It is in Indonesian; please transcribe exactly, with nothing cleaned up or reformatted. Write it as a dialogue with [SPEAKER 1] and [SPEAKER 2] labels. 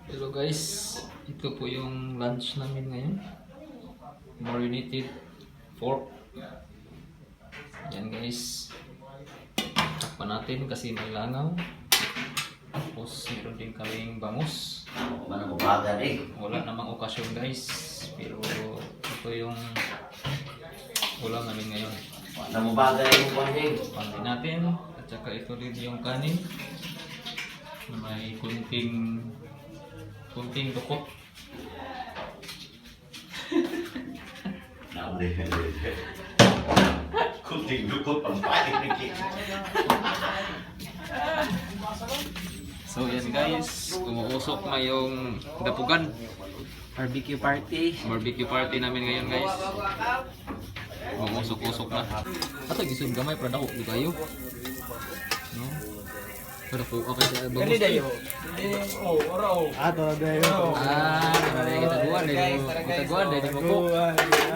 [SPEAKER 1] Hello guys, ito po yung lunch namin ngayon. Marinated pork. Yan guys. Takpan natin kasi may langaw. Tapos meron din kaming bangus.
[SPEAKER 2] Mana mabaga eh.
[SPEAKER 1] Wala namang okasyon guys. Pero ito yung ulam namin ngayon.
[SPEAKER 2] Mana mabaga yung banding.
[SPEAKER 1] Pandi natin. At saka ito din yung kanin. Na may kunting kunting dukot.
[SPEAKER 2] Nah, udah, udah. Kunting dukot pampain lagi.
[SPEAKER 1] So yan guys, umuusok na yung dapugan.
[SPEAKER 3] Barbecue party.
[SPEAKER 1] Barbecue party namin ngayon guys. Umuusok-usok na. Ato gisod gamay para dako di kayo. No. Para po okay sa bangus.
[SPEAKER 4] Kani dayo. Oh, ora oh.
[SPEAKER 3] Ato dayo.
[SPEAKER 1] Ah, para kita duan deh. Kita duan deh di buku.